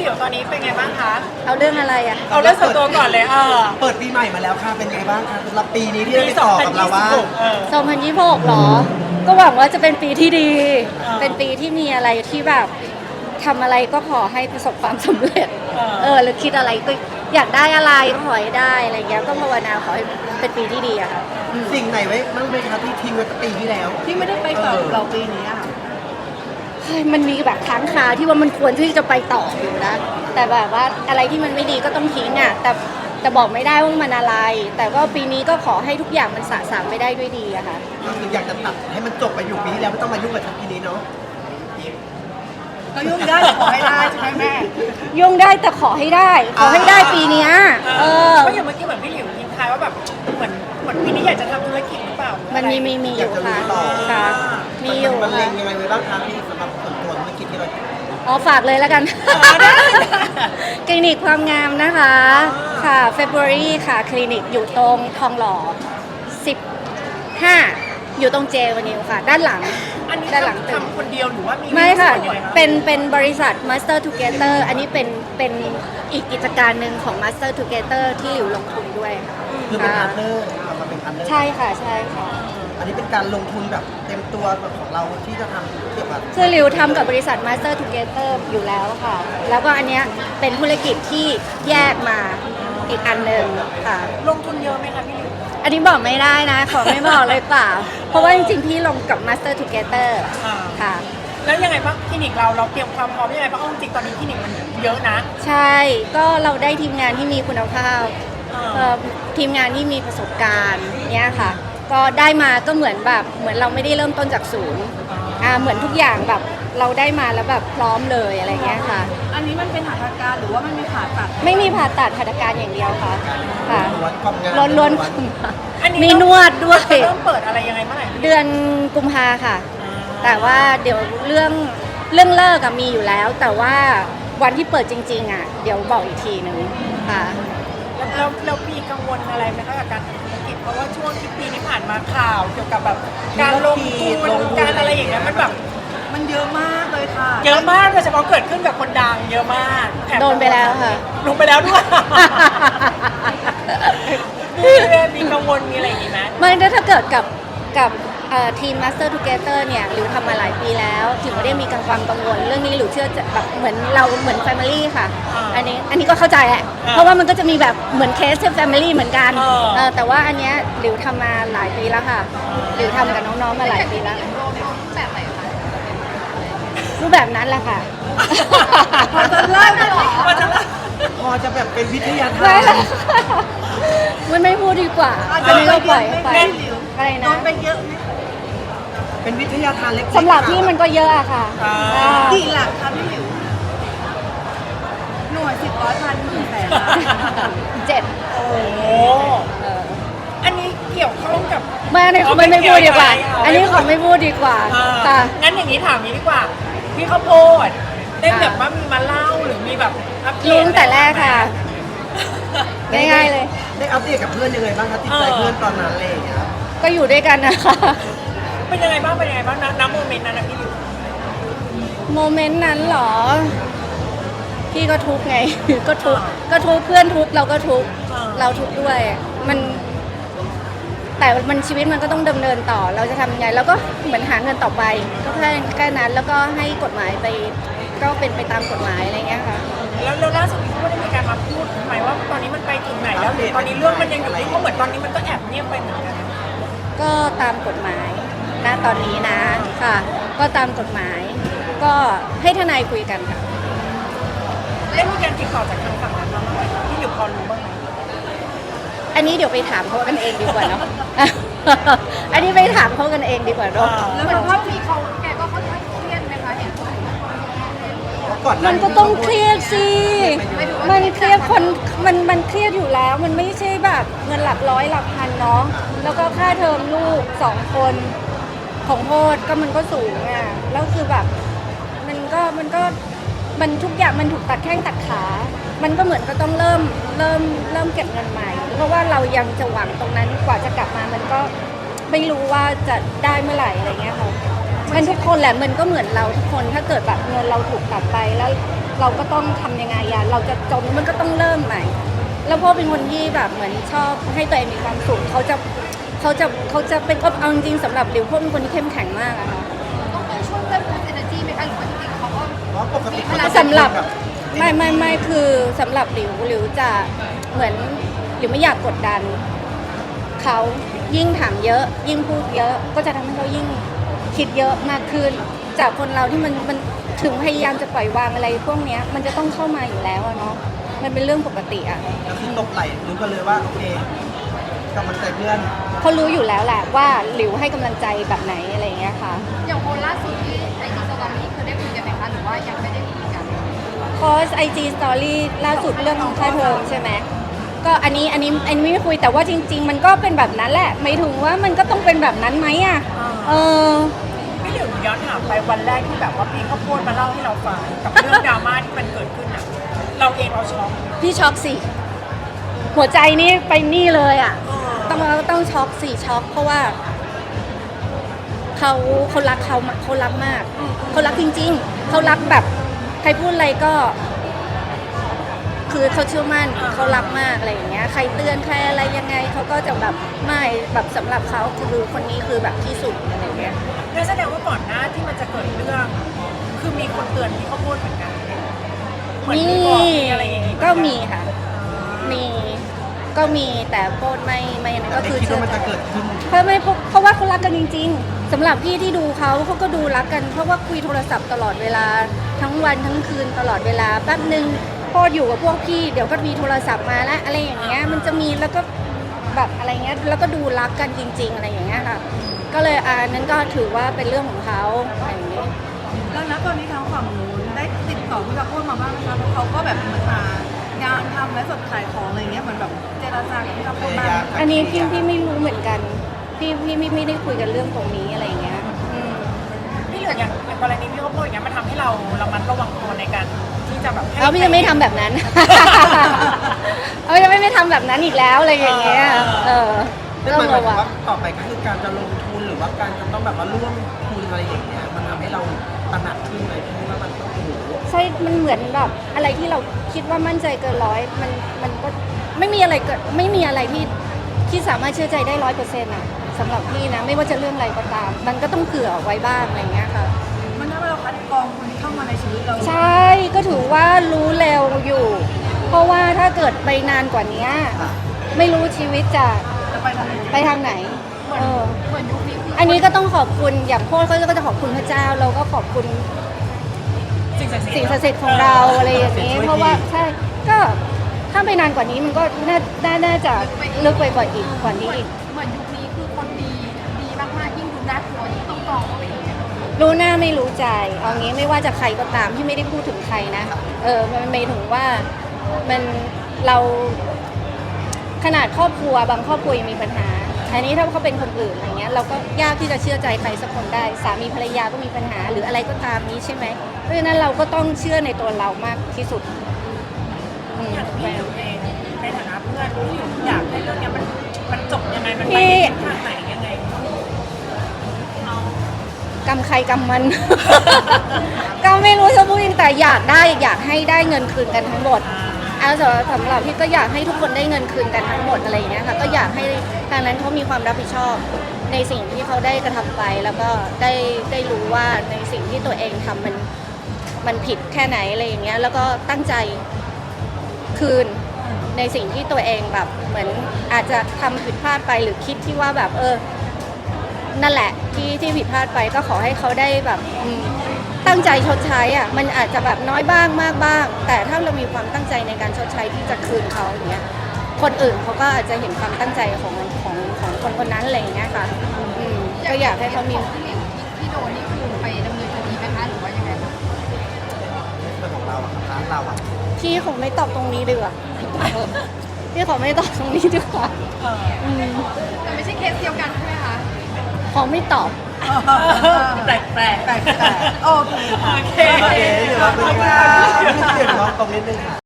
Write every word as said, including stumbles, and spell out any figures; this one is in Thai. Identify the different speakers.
Speaker 1: หลิวตอนนี้เป็นไงบ้างคะ
Speaker 2: เอาเรื่องอะไรอ่ะ
Speaker 1: เอาเรื่องส่วนตัวก่อนเลยเออ
Speaker 3: เปิดปีใหม่มาแล้วค่ะเป็นไงบ้างคะสำหรับปีนี้ที่ได้ไปต่อกับเราว่า
Speaker 1: เออ
Speaker 2: สองพันยี่สิบหกหรอ ก็หวังว่าจะเป็นปีที่ดี
Speaker 1: อ่า
Speaker 2: เป็นปีที่มีอะไรที่แบบทำอะไรก็ขอให้ประสบความสำเร็จ
Speaker 1: อ่า
Speaker 2: เออหรือคิดอะไรก็อยากได้อะไรก็ขอให้ได้อะไรเงี้ย ก็ภาวนาขอให้เป็นปีที่ดีอะค่ะอืม
Speaker 3: สิ่งไหนไว้บ้างไหมคะที่ทิ้งไว้ตั้งปีที่แล้ว
Speaker 4: ที่ไม่ได้ไปต่อกับเราปีนี้อะค่ะ
Speaker 2: เฮ้ยมันมีแบบค้างคาที่ว่ามันควรที่จะไปต่ออยู่นะ แต่แบบว่าอะไรที่มันไม่ดีก็ต้องทิ้งอ่ะ แต่แต่บอกไม่ได้ว่ามันอะไร แต่ก็ปีนี้ก็ขอให้ทุกอย่างมันสะสางไปได้ด้วยดีอะค่ะ
Speaker 3: ก็คืออยากจะตัดให้มันจบไปอยู่ปีที่แล้วไม่ต้องมายุ่งกับฉันปีนี้เนาะ
Speaker 4: ก็ยุ่งได้แต่ขอให้ได้ใช่ไหมแม่
Speaker 2: ยุ่งได้แต่ขอให้ได้ ขอให้ได้ปีเนี้ยเออ
Speaker 1: ก็อย่างเมื่อกี้เหมือนพี่หลิวทิ้งท้ายว่าแบบเหมือนเหมือนปีนี้อยากจะทำธุรกิจหรือเปล่าหรือ
Speaker 2: มั
Speaker 1: อะ
Speaker 2: น
Speaker 1: ไร
Speaker 2: มีมีมีอยู่ค่ะค่ะมีอยู่
Speaker 3: มันเล็
Speaker 2: ค่ะ
Speaker 3: งยังไงไว้บ้างคะที่สำหรับส่วนตัวธุรกิจที่เรา
Speaker 2: อ๋อฝากเลยแล้วกัน
Speaker 1: อ๋อได้
Speaker 2: คลินิกความงามนะคะ ค่ะ February ค่ะ คลินิกอยู่ตรงทองหล่อสิบห้าอยู่ตรงเจวานิวค่ะ ด้านหลัง
Speaker 1: อันนี้
Speaker 2: ด้านหลังตึก
Speaker 1: ทำคนเดียวหรือว่ามี
Speaker 2: ไม่ค่ะ
Speaker 1: ส่วนยังไงคะ
Speaker 2: เป็นเป็นบริษัท Master Together อันนี้เป็นเป็นอีกกิจการหนึ่งของ Master Together ที่หลิวลงทุนด้วยค่ะ
Speaker 3: คือเป็นพาร์ทเนอร์เอามาเป็นพาร์ทเนอร์
Speaker 2: ใช่ค่ะใช่ค่ะ
Speaker 3: อันนี้เป็นการลงทุนแบบเต็มตัวแบบของเราที่จะทำเกี่ยวกับ
Speaker 2: คือหลิวทำกับบริษัท Master Together อยู่แล้วค่ะ แล้วก็อันเนี้ยเป็นธุรกิจที่แยกมาอีกอันหนึ่งค่ะ
Speaker 1: ลงทุนเยอะไหมคะพี่หลิว
Speaker 2: อันนี้บอกไม่ได้นะ ขอไม่บอกเลยเปล่า เพราะว่าจริงๆ พี่ลงกับ Master Together
Speaker 1: อ่า
Speaker 2: ค่ะ
Speaker 1: แล้วยังไงบ้างคลินิกเราเราเตรียมความพร้อมยังไงบ้างเอาจริงๆตอนนี้คลินิกมันเยอะนะ
Speaker 2: ใช่ ก็เราได้ทีมงานที่มีคุณภาพ
Speaker 1: อ่า
Speaker 2: เอ่อทีมงานที่มีประสบการณ์เนี้ยค่ะ ก็ได้มาก็เหมือนแบบเหมือนเราไม่ได้เริ่มต้นจากศูนย์อ่าเหมือนทุกอย่างแบบเราได้มาแล้วแบบพร้อมเลยอะไรเงี้ยค่ะ
Speaker 4: อันนี้มันเป็นหัตถการหรือว่ามันมีผ่าตัด
Speaker 2: ไม่มีผ่าตัดหัตถการอย่างเดียวค่ะ ค่ะ
Speaker 3: ล้วนความงาม
Speaker 2: ล้วนล้วน
Speaker 1: อันนี้
Speaker 2: มีนวดด้วย
Speaker 1: จะเริ่มเปิดอะไรยังไงเมื่อไหร่
Speaker 2: เดือนกุมภาค่ะ แต่ว่าเดี๋ยวเรื่องเรื่องเลิกอะมีอยู่แล้ว แต่ว่าวันที่เปิดจริงๆอะเดี๋ยวบอกอีกทีหนึ่งค่ะ
Speaker 1: แล้วแล้วแล้วมีกังวลอะไรไหมคะกับการทำธุรกิจเพราะว่าช่วงที่ปีนี้ผ่านมาข่าวเกี่ยวกับแบบการลงทุนการอะไรอย่างเงี้ยมันแบบ
Speaker 4: มันเยอะมากเลยค่ะ
Speaker 1: เยอะมากโดยเฉพาะเกิดขึ้นกับคนดังเยอะมากถม
Speaker 2: โดนไปแล้วค่ะ
Speaker 1: ลงไปแล้วด้วย มีมีกังวลมีอะไรอย่างงี้ไหม
Speaker 2: ไม่ถ้าเกิดกับกับเอ่อทีม Master Together เนี่ยหรือทำมาหลายปีแล้วถึงไม่ได้มีกังวลกังวล เรื่องนี้หรือเชื่อจะแบบเหมือนเราเหมือน Family ค่ะ อันนี้อันนี้ก็เข้าใจแหละ เพราะว่ามันก็จะมีแบบเหมือนเคสที่ Family เหมือนกันเออแต่ว่าอันเนี้ยหลิวทำมาหลายปีแล้วค่ะหลิวทำกับน้องๆมาหลายปีแล้วรูปแบบนั้นแหละค่ะ
Speaker 4: พอจะเล่าได้หรอ
Speaker 1: มันจะ
Speaker 3: พอจะแบบเป็นวิทยาทา
Speaker 2: ไม่
Speaker 3: น
Speaker 2: ละมันไม่พูดดีกว่า อันนี้ก็ปล่อยให้ไปอะไร
Speaker 4: โด
Speaker 2: นะ
Speaker 4: นไปเยอะไหม
Speaker 3: เป็นวิทยาทานเล็กๆ
Speaker 2: สำหรับพี่มันก็เยอะอะค่ะอ่า
Speaker 4: กี่หลักคะพี่หลิว หน่วยสิบร้อยพันหมื่นแสนล้าน
Speaker 2: เจ็ด
Speaker 1: โอ้โห
Speaker 2: เออ
Speaker 1: อันนี้เกี่ยวข้องกับ
Speaker 2: ไม่อันนี้ขอไม่ไม่พูดดีกว่า อันนี้ขอไม่พูดดีกว่า
Speaker 1: อ่า
Speaker 2: ค่ะ
Speaker 1: งั้นอย่างนี้ถามนี้ดีกว่า พี่ข้าวโพดได้แบบว่ามีมาเล่าหรือมีแบบอัปเดต
Speaker 2: รู้ตั้งแต่แรกค่ะ ง่ายๆเลย
Speaker 3: ได้อัปเดตกับเพื่อนยังไงบ้างคะติดใจเพื่อนตอนนั้นอะไรอย่างเงี้ย
Speaker 2: ก็อยู่ด้วยกันนะคะ
Speaker 1: เป็นยังไงบ้างเป็นยังไงบ้างนะน้ำโมเมนต์นั้นนะพี่ดิว
Speaker 2: โมเมนต์นั้นเหรอ พี่ก็ทุกข์ไง ก็ทุกข์ก็ทุกข์เพื่อนทุกข์เราก็ทุกข์เราทุกข์ด้วย มัน แต่มันชีวิตมันก็ต้องดำเนินต่อ เราจะทำยังไงเราก็เหมือนหาเงินต่อไป ก็แค่แค่นั้นแล้วก็ให้กฎหมายไป ก็เป็นไปตามกฎหมายอะไรเงี้ยค่ะ
Speaker 1: แล้วแล้วล่าสุดพี่ก็ได้มีการมาพูดไหมว่าตอนนี้มันไปถึงไหนแล้วหรือตอนนี้เรื่องมันยังอยู่ที่เพราะเหมือนตอนนี้มันก็แอบเงียบไปเหมือนกัน
Speaker 2: ก็ตามกฎหมายณตอนนี้นะค่ะ ก็ตามกฎหมาย ก็ให้ทนายคุยกันค่ะ
Speaker 1: ได้มีการติดต่อจากทางฝั่งนั้นมาบ้างไหมพี่ดิวพอรู้บ้างไหม
Speaker 2: อันนี้เดี๋ยวไปถามเขากันเองดีกว่าเนาะ อันนี้ไปถามเขากันเองดีกว่าเนาะ
Speaker 4: แล้วมันว่าพี่เขาแกก็ค่อนข้างเครียดไหมคะเห็น
Speaker 3: ก่อนหา
Speaker 2: มันก็ต้องเครียดสิ มันเครียดคนมันมันเครียดอยู่แล้ว มันไม่ใช่แบบเงินหลักร้อยหลักพันเนาะ แล้วก็ค่าเทอมลูกสองคนของโพดก็มันก็สูงอ่ะ แล้วคือแบบ มันก็มันก็มันทุกอย่างมันถูกตัดแข้งตัดขา มันก็เหมือนก็ต้องเริ่มเริ่มเริ่มเก็บเงินใหม่ เพราะว่าเรายังจะหวังตรงนั้นกว่าจะกลับมา มันก็ไม่รู้ว่าจะได้เมื่อไหร่อะไรเงี้ยค่ะ มันทุกคนแหละมันก็เหมือนเราทุกคนถ้าเกิดแบบเงินเราถูกตัดไปแล้วเราก็ต้องทำยังไงอะเราจะจมมันก็ต้องเริ่มใหม่ แล้วพ่อเป็นคนที่แบบเหมือนชอบให้ตัวเองมีความสุขเขาจะเขาจะเขาจะเป็นเอาจริงๆสำหรับหลิวพ่อเป็นคนที่เข้มแข็งมากอะค่ะ
Speaker 4: ต้องไปช่วยเพิ่ม energy ไหมคะหรือว่าจริงๆเขาก็
Speaker 3: เพราะปกติ
Speaker 4: เวลา
Speaker 2: สำหรับ
Speaker 3: แบบ
Speaker 2: ไม่ไม่ไม่คือสำหรับหลิวหลิวจะเหมือนหลิวไม่อยากกดดันเขายิ่งถามเยอะ ยิ่งพูดเยอะก็จะทำให้เขายิ่งคิดเยอะมากขึ้น จากคนเราที่มันมันถึงพยายามจะปล่อยวางอะไรพวกเนี้ยมันจะต้องเข้ามาอยู่แล้วอะเนาะมันเป็นเรื่องปกติอะ
Speaker 3: ก็คือตกไหลรู้กันเลยว่าโอเคกำลังใจเพื่อน
Speaker 2: เขารู้อยู่แล้วแหละว่าหลิวให้กำลังใจแบบไหนอะไรอย่างเงี้ยค่ะ
Speaker 4: อย่างโพลล่าสุดที่ไอจีสตอรี่คือได้คุยกันไหมคะหรือว่ายังไม่ได้คุยกัน
Speaker 2: โพสไอจีสตอรี่ล่าสุดเรื่องของค่าเทอมใช่ไหมก็อันนี้อันนี้อันนี้ไม่คุยแต่ว่าจริง ๆ มันก็เป็นแบบนั้นแหละไม่ถึงว่ามันก็ต้องเป็นแบบนั้นไหมอ่ะเออ
Speaker 1: พี่หลิวย้อนถามไปวันแรกที่แบบว่าพี่เขาโพสต์มาเล่าให้เราฟังกับเรื่องดราม่าที่มันเกิดขึ้นอ่ะเราเองเราช็อก
Speaker 2: พี่ช็อกสิหัวใจนี่ไปนี่เลยอ่ะต้องต้องช็อกสิช็อกเพราะว่าเขาเขารักเขาเขารักมากเขารักจริง ๆเขารักแบบใครพูดอะไรก็ คือเขาเชื่อมั่นเขารักมากอะไรอย่างเงี้ยใครเตือนใครอะไรยังไงเขาก็จะแบบไม่แบบสำหรับเขาคือคนนี้คือแบบที่สุดอะไรอย่างเงี้ย
Speaker 1: นั่นแสดงว่าก่อนหน้าที่มันจะเกิดเรื่อง คือมีคนเตือนพี่เขาโพสต์เหมือนกันเหมือน
Speaker 2: มี
Speaker 1: มีบอกมีอะไรอย่างงี้
Speaker 2: ก็มีค่ะ มีก็มีแต่โพสต์ไม่ไม่นั่น
Speaker 3: แต่
Speaker 2: ก็
Speaker 3: ไม่
Speaker 2: คือ
Speaker 3: คิด
Speaker 2: เชื่อ
Speaker 3: ว่ามัน
Speaker 2: ใจ
Speaker 3: จะเกิดขึ้น
Speaker 2: เพราะไม่เพราะเพราะว่าเขารักกันจริง ๆสำหรับพี่ที่ดูเขาเขาก็ดูรักกัน เพราะว่าคุยโทรศัพท์ตลอดเวลาทั้งวันทั้งคืนตลอดเวลาแป๊บนึงพออยู่กับพวกพี่เดี๋ยวก็มีโทรศัพท์มาแล้วอะไรอย่างเงี้ยมันจะมีแล้วก็แบบอะไรเงี้ยแล้วก็ดูรักกันจริง ๆ อะไรอย่างเงี้ยค่ะ ก็เลยอ่านั้นก็ถือว่าเป็นเรื่องของเขาอะไรอย่างเงี้ย
Speaker 4: แล้วนะตอนนี้ทางฝั่งนู้นได้ติดต่อพี่กระโพดมาบ้างไหมคะเพราะเขาก็แบบเหมือนหางานทำและสดขายของอะไรเงี้ยเหมือนแบบเจรจากับพี่กระโพดบ้างไหม
Speaker 2: อันนี้พี่พี่ไม่รู้เหมือนกัน พี่พี่ไม่ไม่ได้คุยกันเรื่องตรงนี้อะไรอย่างเงี้ยอืม
Speaker 1: พี่เหลืออย่างอย่างกรณีพี่เขาโพสต์อย่างเงี้ยมันทำให้เราระมัดระวังตัวในการที่จะแบบให้
Speaker 2: เอาพี่จะไม่ทำแบบนั้น เอาจะไม่ไม่ทำแบบนั้นอีกแล้วอะไรอย่างเงี้ย เออ
Speaker 3: นั่น
Speaker 2: ต้
Speaker 3: ห
Speaker 2: อ
Speaker 3: มาง ย
Speaker 2: ระ
Speaker 3: ถึ
Speaker 2: วั
Speaker 3: ง
Speaker 2: ง
Speaker 3: ว่าต่อไปก็คือการจะลงทุนหรือว่าการจะต้องแบบว่าร่วมทุนอะไรอย่างเงี้ยมันทำให้เราตระหนักขึ้นเลยพี่ว่ามันต้องโอ้โห
Speaker 2: ใช่ มันเหมือนแบบอะไรที่เราคิดว่ามั่นใจเกินร้อย มันมันก็ไม่มีอะไรเกิดไม่มีอะไรที่ที่สามารถเชื่อใจได้ร้อยเปอร์เซ็นต์อะสำหรับพี่นะ ไม่ว่าจะเรื่องอะไรก็ตาม มันก็ต้องเผื่อไว้บ้างอะไรอย่างเงี้ยค่ะ
Speaker 4: มันทำให้เราคัดกรองคนที่เข้ามาในชีวิตเรา
Speaker 2: ใช่ ก็ถือว่ารู้เร็วอยู่ เพราะว่าถ้าเกิดไปนานกว่านี้ไม่รู้ชีวิตจะ
Speaker 4: จะไปทางไหน
Speaker 2: ไปทางไหน เออ
Speaker 4: เหมือนยุคนี้คือ
Speaker 2: อันนี้ก็ต้องขอบคุณอย่างโพสเขาก็จะขอบคุณพระเจ้า เราก็ขอบคุณ
Speaker 1: สิ่งศักดิ์สิทธิ์
Speaker 2: สิ่งศักดิ์สิทธิ์ของเราอะไรอย่างนี้ เพราะว่าใช่ก็ถ้าไปนานกว่านี้มันก็น่าน่าน่าจะลึกไปกว่าอีกกว่านี้อีก
Speaker 4: เหมือนยุคนี้คือคนดีดีมากๆยิ่งดูน่ากลัวยิ่งต้องกรองเข้าไปอีก
Speaker 2: รู้หน้าไม่รู้ใจเอางี้ไม่ว่าจะใครก็ตามที่ไม่ได้พูดถึงใครนะเออมันหมายถึงว่ามันเราขนาดครอบครัวบางครอบครัวยังมีปัญหาอันนี้ถ้าเขาเป็นคนอื่นอะไรเงี้ยเราก็ยากที่จะเชื่อใจใครสักคนได้สามีภรรยาก็มีปัญหาหรืออะไรก็ตามนี้ใช่ไหมเพราะฉะนั้นเราก็ต้องเชื่อในตัวเรามากที่สุดอืม
Speaker 1: อย่างพี่หลิวเองในฐานะเพื่อนพี่หลิวอยากให้เรื่องเนี้ยมันมันจบยังไงมันไปในทิศทางไหนยังไง
Speaker 2: กรรมใครกรรมมัน ก็ไม่รู้จะพูดยังไงแต่อยากได้อยากให้ได้เงินคืนกันทั้งหมดเอาสำหรับสำหรับพี่ก็อยากให้ทุกคนได้เงินคืนกันทั้งหมดอะไรอย่างเงี้ยค่ะก็อยากให้ทางนั้นเขามีความรับผิดชอบในสิ่งที่เขาได้กระทำไป แล้วก็ได้ได้รู้ว่าในสิ่งที่ตัวเองทำมันมันผิดแค่ไหนอะไรอย่างเงี้ยแล้วก็ตั้งใจคืนในสิ่งที่ตัวเองแบบเหมือนอาจจะทำผิดพลาดไปหรือคิดที่ว่าแบบเออ นั่นแหละที่ที่ผิดพลาดไปก็ขอให้เขาได้แบบอืมตั้งใจชดใช้อ่ะมันอาจจะแบบน้อยบ้างมากบ้าง แต่ถ้าเรามีความตั้งใจในการชดใช้ที่จะคืนเขาอย่างเงี้ยคนอื่นเขาก็อาจจะเห็นความตั้งใจของของของคนคนนั้นอะไรอย่างเงี้ยค่ะอืมก็อยากให้เขามี
Speaker 4: ที่หลิวที่โดนนี่คือไปดำเนินคดีไหมคะหรือว่ายังไงคะ
Speaker 3: เรื่องของเราอะครับร้านเราอะ
Speaker 2: พี่คงไม่ตอบตรงนี้ดีกว่าเออพี่ขอไม่ตอบตรงนี้ดีกว่าอืม
Speaker 4: แต่ไม่ใช่เคสเดียวกันใช่ไหมคะ
Speaker 2: ขอไม่ตอบ
Speaker 1: แปลกแปลก
Speaker 4: แต่แต่โอเคค่ะ
Speaker 1: โอเค
Speaker 3: โอเคเดี๋ยวเราไปกันเดี๋ยวเราตรงนิดนึงค่ะ